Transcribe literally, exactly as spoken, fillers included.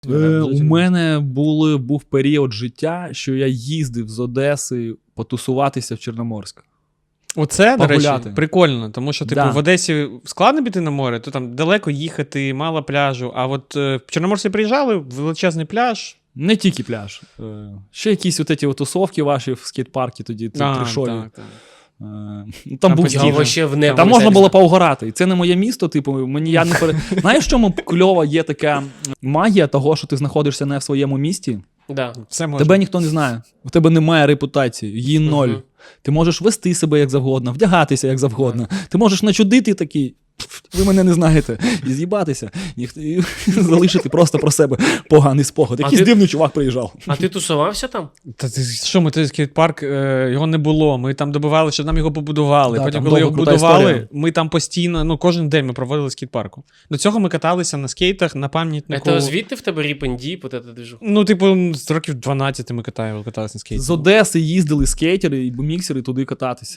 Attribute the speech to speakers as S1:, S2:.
S1: Е, у мене були, був період життя, що я їздив з Одеси потусуватися в Чорноморськ.
S2: Оце, до речі,
S1: Погуляти.
S2: прикольно, тому що, типу,
S1: Да.
S2: в Одесі складно піти на море, то там далеко їхати, мало пляжу, а от е, в Чорноморськ приїжджали, величезний пляж.
S1: Не тільки пляж. Е, ще якісь от ці тусовки ваші в скейт-паркі тоді,
S2: А,
S1: трешові.
S2: так, так.
S1: Е, ну, там
S2: А
S1: був
S2: потім
S1: стіль.
S2: вже-
S3: ще в небо.
S1: Там можна було поугорати. І це не моє місто, типу, мені я не пере... Знаєш, в чому кльова є така магія того, що ти знаходишся не в своєму місті?
S3: Да.
S2: Все можна.
S1: Тебе ніхто не знає. У тебе немає репутації, її ноль.
S3: Мгм.
S1: Ти можеш вести себе як завгодно, вдягатися як завгодно. Ти можеш начудити такий, «Пф, ви мене не знаєте, і з'їбатися, і, і залишити просто про себе поганий спогад.
S3: А
S1: Якийсь
S3: ти-
S1: дивний чувак приїжджав.
S3: А ти тусувався там?
S2: Та ти що, ми той скейт-парк, е, його не було. Ми там добивали, щоб нам його побудували.
S1: Да,
S2: Потім,
S1: там
S2: коли його
S1: довга крута
S2: будували,
S1: історія.
S2: ми там постійно, ну, кожен день ми проводили в скейт-парку. До цього ми каталися на скейтах, на пам'ятнику.
S3: Це звідти в тебе ріпендіп, от це движу?
S2: Ну, типу, з років дванадцяти ми катали, каталися на скейті.
S1: З Одеси їздили скейтери і буміксери туди кататися.